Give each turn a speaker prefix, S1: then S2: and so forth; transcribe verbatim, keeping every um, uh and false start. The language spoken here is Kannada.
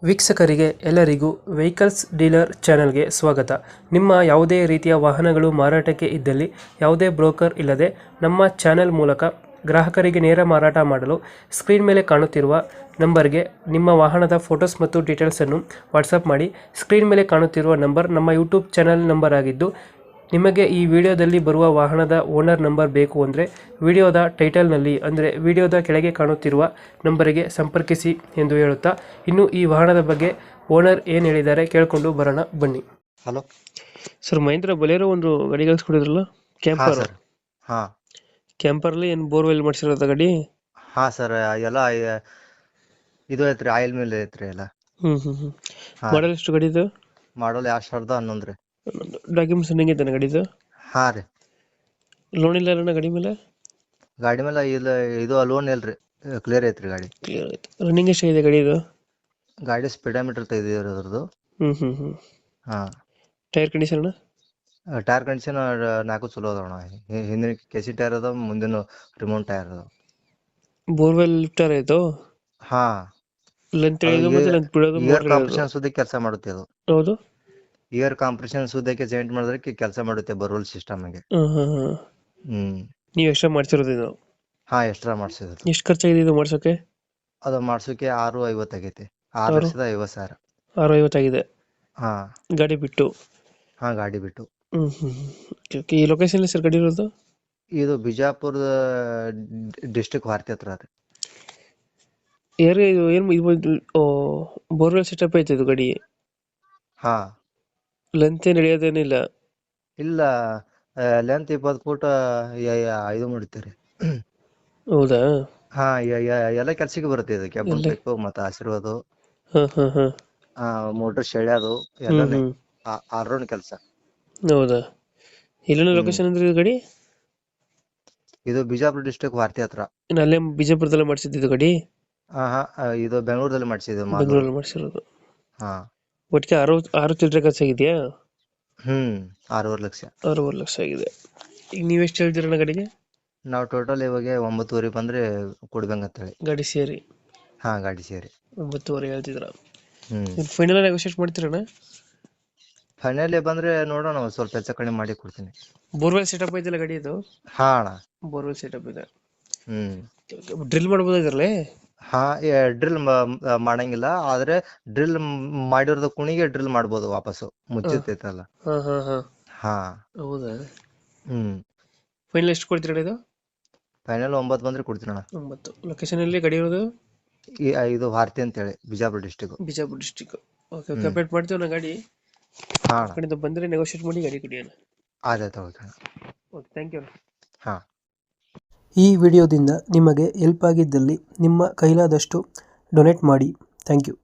S1: ವೀಕ್ಷಕರಿಗೆ ಎಲ್ಲರಿಗೂ ವೆಹಿಕಲ್ಸ್ ಡೀಲರ್ ಚಾನೆಲ್ಗೆ ಸ್ವಾಗತ. ನಿಮ್ಮ ಯಾವುದೇ ರೀತಿಯ ವಾಹನಗಳು ಮಾರಾಟಕ್ಕೆ ಇದ್ದಲ್ಲಿ ಯಾವುದೇ ಬ್ರೋಕರ್ ಇಲ್ಲದೆ ನಮ್ಮ ಚಾನೆಲ್ ಮೂಲಕ ಗ್ರಾಹಕರಿಗೆ ನೇರ ಮಾರಾಟ ಮಾಡಲು ಸ್ಕ್ರೀನ್ ಮೇಲೆ ಕಾಣುತ್ತಿರುವ ನಂಬರ್ಗೆ ನಿಮ್ಮ ವಾಹನದ ಫೋಟೋಸ್ ಮತ್ತು ಡೀಟೇಲ್ಸನ್ನು ವಾಟ್ಸಪ್ ಮಾಡಿ. ಸ್ಕ್ರೀನ್ ಮೇಲೆ ಕಾಣುತ್ತಿರುವ ನಂಬರ್ ನಮ್ಮ ಯೂಟ್ಯೂಬ್ ಚಾನೆಲ್ ನಂಬರ್ ಆಗಿದ್ದು, ನಿಮಗೆ ಈ ವಿಡಿಯೋದಲ್ಲಿ ಬರುವ ವಾಹನದ ಓನರ್ ನಂಬರ್ ಬೇಕು ಅಂದರೆ ವಿಡಿಯೋದ ಟೈಟಲ್ನಲ್ಲಿ ಅಂದರೆ ವಿಡಿಯೋದ ಕೆಳಗೆ ಕಾಣುತ್ತಿರುವ ನಂಬರಿಗೆ ಸಂಪರ್ಕಿಸಿ ಎಂದು ಹೇಳುತ್ತಾ, ಇನ್ನು ಈ ವಾಹನದ ಬಗ್ಗೆ ಓನರ್ ಏನು ಹೇಳಿದ್ದಾರೆ ಕೇಳಿಕೊಂಡು ಬರೋಣ ಬನ್ನಿ.
S2: ಹಲೋ
S1: ಸರ್, ಮಹೇಂದ್ರ ಬೊಲೆರೋ ಒಂದು ಗಾಡಿ ಕಳಿಸ್ಕೊಡಿದ್ರಲ್ಲ,
S2: ಹಾ
S1: ಕ್ಯಾಂಪರ್.
S2: ಸರ್. ಹಾ
S1: ಕ್ಯಾಂಪರ್ಲಿ ಏನು ಬೋರ್ವೆಲ್ ಮಾಡಿಸಿರೋದ ಗಾಡಿ?
S2: ಹಾ ಸರ್, ಎಲ್ಲ ಐ- ಇದು ಐತ್ರಿ, ಆಯಿಲ್ ಮೇಲೆ ಐತ್ರಿ ಎಲ್ಲ.
S1: ಹ್ಮ್ ಹ್ಮ್ ಹ್ಮ್
S2: ಹಾ
S1: ಮಾಡಲ್ ಎಷ್ಟು ಗಾಡಿದು?
S2: ಮಾಡಲ್ ಎರಡ್ ಸಾವಿರದ ಹನ್ನೊಂದು ರೀ.
S1: ಡಾಕ್ಯುಮೆಂಟ್ಸ್ ಹೆಂಗಿದ್ದಾನೆ ಗಾಡಿದು?
S2: ಹಾ ರೀ.
S1: ಲೋನ್ ಇಲ್ಲ ಅಣ್ಣ ಗಾಡಿ ಮೇಲೆ?
S2: ಗಾಡಿ ಮೇಲೆ ಇಲ್ಲ, ಇದು ಲೋನ್ ಇಲ್ರಿ, ಕ್ಲಿಯರ್ ಐತ್ರಿ ಗಾಡಿ.
S1: ಕ್ಲಿಯರ್ ಆಯ್ತು. ರನ್ನಿಂಗ್ ಎಷ್ಟಾಗಿದೆ ಗಾಡಿದು?
S2: ಗಾಡಿ ಸ್ಪೀಡೋಮೀಟರ್ ತೆಗೆದಿರೋದು ಅದ್ರದ್ದು.
S1: ಹ್ಮ್ ಹ್ಮ್ ಹ್ಮ್
S2: ಹಾ
S1: ಟೈರ್ ಕಂಡೀಷನ್ ಅಣ್ಣ?
S2: ಟೈರ್ ಕಂಡೀಷನ್ ನಾಲ್ಕು ಚಲೋ ಅದಾವಣ. ಹಿ- ಹಿಂದಿನ ಕೆಸಿ ಟೈರ್ ಅದಾವ, ಮುಂದಿನ ರಿಮೋಟ್ ಟೈರ್ ಅದಾವ.
S1: ಬೋರ್ವೆಲ್ ಲಿಫ್ಟರ್ ಆಯ್ತು?
S2: ಹಾ
S1: ಲೆಂತ್ ಇಳಿಯೋದು ಮತ್ತೆ ಲೆಂತ್ ಬಿಡೋದು
S2: ಇಯರ್
S1: ಮೋಟರ್ ಇಳಿಯೋದು.
S2: ಕಾಂಪ್ರೆಷನ್ ಸುದ್ದಿ ಕೆಲಸ ಮಾಡುತ್ತೆ ಅದು.
S1: ಹೌದು.
S2: ಇಯರ್ ಕಾಂಪ್ರೆಷನ್ ಸುದ್ದಕ್ಕೆ ಜಾಯಿಂಟ್ ಮಾಡಿದ್ರೆ ಕೆಲಸ ಮಾಡುತ್ತೆ ಬರೋಲ್ ಸಿಸ್ಟಮ್ ಗೆ.
S1: ಹ್ಮ್ ಹ್ಮ್ ಹ್ಮ್
S2: ಹ್ಮ್
S1: ನೀವು ಎಕ್ಸ್ಟ್ರಾ ಮಾಡ್ಸಿರೋದು ಇದು?
S2: ಹಾ ಎಕ್ಸ್ಟ್ರಾ ಮಾಡ್ಸಿದ್ರು.
S1: ಎಷ್ಟು ಖರ್ಚಾಗಿದೆ ಇದು ಮಾಡ್ಸೋಕೆ?
S2: ಅದು ಮಾಡ್ಸೋಕೆ ಆರು ಐವತ್ತು ಆಗೈತಿ. ಆರು
S1: ಆರು
S2: ಲಕ್ಷದ ಐವತ್ತು ಸಾವಿರ.
S1: ಆರು ಐವತ್ತಾಗಿದೆ
S2: ಹಾ
S1: ಗಾಡಿ ಬಿಟ್ಟು?
S2: ಹಾ ಗಾಡಿ ಬಿಟ್ಟು.
S1: ಹ್ಮ್ ಹ್ಮ್ ಓಕೆ ಓಕೆ ಈ ಲೊಕೇಶನ್ ಸರ್ ಗಾಡಿ ಇರೋದು?
S2: ಇದು ಬಿಜಾಪುರದ ಡಿಸ್ಟ್ರಿಕ್ಟ್ ವಾರ್ತಿ ಹತ್ರ ರೀ.
S1: ಏರಿಯಾ ಇದು ಏನು ಇದು ಬೋರ್ವೆಲ್ ಸೆಟಪ್ ಐತೆ ಇದು ಗಾಡಿ?
S2: ಹಾ
S1: ಲೆಂತ್ ಏನು ಇಳಿಯೋದೇನಿಲ್ಲ?
S2: ಇಲ್ಲ, ಲೆಂತ್ ಇಪ್ಪತ್ತು ಫೂಟ್ ಇದು ಮಾಡ್ತೀರಿ.
S1: ಹೌದಾ?
S2: ಹಾ ಯ- ಯ- ಎಲ್ಲ ಕೆಲ್ಸಕ್ಕೆ ಬರುತ್ತೆ ಇದು. ಕೆಬ್ಬನ್
S1: ಎಲ್ಲ?
S2: ಪೈಪ್ ಮತ್ತೆ ಆಶೀರ್ವಾದ,
S1: ಹಾಂ ಹಾಂ ಹಾಂ
S2: ಆ ಮೋಟರ್ ಶೆಳ್ಯಾದು
S1: ಹ್ಮ್
S2: ಎಲ್ಲಾನೇ
S1: ಹ್ಮ್
S2: ಆಲ್ ರೌಂಡ್ ಕೆಲಸ.
S1: ಹೌದಾ? ಇಲ್ಲೇನೋ
S2: ಹ್ಮ್
S1: ಲೊಕೇಶನ್ ಅಂದ್ರೆ ಇದು ಗಾಡಿ?
S2: ಇದು ಬಿಜಾಪುರ ಡಿಸ್ಟ್ರಿಕ್ಟ್ ವಾರ್ತಿ ಹತ್ರ.
S1: ಇನ್ನು ಅಲ್ಲೇ ಬಿಜಾಪುರದಲ್ಲೇ ಮಾಡಿಸಿದ್ದು ಗಾಡಿ?
S2: ಹಾ ಹಾ ಆ, ಇದು ಬೆಂಗಳೂರಲ್ಲಿ ಮಾಡಿಸಿದ್ದು ಮಾಲೂರು.
S1: ಬೆಂಗಳೂರಲ್ಲಿ ಮಾಡಿಸಿರೋದು?
S2: ಹಾ
S1: ಒಟ್ಟಿಗೆ ಆರು ಆರು ಚಿಲ್ಲರೆ ಖರ್ಚಾಗಿದೆಯಾ?
S2: ಹ್ಮ್ ಆರೂವರೆ ಲಕ್ಷ.
S1: ಆರೂವರೆ ಲಕ್ಷ ಆಗಿದೆ. ಈಗ ನೀವೆಷ್ಟು ಹೇಳ್ತೀರಣ್ಣ ಗಾಡಿಗೆ?
S2: ನಾವು ಟೋಟಲ್ ಇವಾಗ ಒಂಬತ್ತುವರೆ ಬಂದ್ರೆ ಕೊಡ್ಬೇಕಂತ ಹೇಳಿ.
S1: ಗಾಡಿ ಸೇರಿ
S2: ಹಾ ಗಾಡಿ ಸೇರಿ
S1: ಒಂಬತ್ತುವರೆ ಹೇಳ್ತಿದ್ರ?
S2: ಹ್ಮ್
S1: ಫೈನಲ್ ನೆಗೋಷಿಯೇಟ್ ಮಾಡ್ತೀರಣ್ಣ?
S2: ಫೈನಲ್ ಬಂದ್ರೆ ನೋಡೋಣ, ಒಂದ್ ಸ್ವಲ್ಪ ಹೆಚ್ಚು ಕಡಿಮೆ ಮಾಡಿ ಕೊಡ್ತೀನಿ.
S1: ಬೋರ್ವೆಲ್ ಸೆಟಪ್ ಐತಲ್ಲ ಗಾಡಿ ಇದು?
S2: ಹಾ ಅಣ್ಣ.
S1: ಬೋರ್ವೆಲ್ ಸೆಟಪ್ ಇದೆ.
S2: ಹ್ಮ್
S1: ಡ್ರಿಲ್ ಮಾಡ್ಬೋದು ಇದ್ರಲ್ಲಿ?
S2: ಹಾ ಡ್ರಿಲ್ ಮಾಡಂಗಿಲ್ಲ, ಆದ್ರೆ ಡ್ರಿಲ್ ಮಾಡಿರೋದ ಕುಣಿಗೆ ಡ್ರಿಲ್ ಮಾಡ್ಬೋದು ವಾಪಸ್ಸು, ಮುಚ್ಚಿರ್ತೈತಲ್ಲ.
S1: ಹಾ ಹಾ ಹಾ
S2: ಹಾ
S1: ಹೌದಾ?
S2: ಹ್ಮ್
S1: ಫೈನಲ್ ಎಷ್ಟು ಕೊಡ್ತೀರಣ್ಣ ಇದು?
S2: ಫೈನಲ್ ಒಂಬತ್ತು ಬಂದ್ರೆ ಕೊಡ್ತೀನಿ ಅಣ್ಣ.
S1: ಒಂಬತ್ತು. ಲೊಕೇಶನ್ ಎಲ್ಲಿ ಗಾಡಿ ಇರೋದು?
S2: ಈ ಇದು ಭಾರತಿ ಅಂತ ಹೇಳಿ, Bijapur district.
S1: Bijapur district. Okay okay
S2: ಹ್ಮ್
S1: ಅಪ್ಡೇಟ್ ಮಾಡ್ತೀವಿ ನಾ ಗಾಡಿ.
S2: ಹಾ
S1: ಆ
S2: ಅಣ್ಣ,
S1: ಕಡೆಯಿಂದ ಬಂದರೆ ನೆಗೋಷಿಯೇಟ್ ಮಾಡಿ ಗಾಡಿ ಕೊಡಿ ಅಣ್ಣ.
S2: ಆಯ್ತಾಯ್ತು, ಓಕೆ ಅಣ್ಣ.
S1: Okay thank you.
S2: ಹಾ
S1: ಈ ವಿಡಿಯೋದಿಂದ ನಿಮಗೆ ಹೆಲ್ಪ್ ಆಗಿದ್ದಲ್ಲಿ ನಿಮ್ಮ ಕೈಲಾದಷ್ಟು ಡೊನೇಟ್ ಮಾಡಿ. Thank you.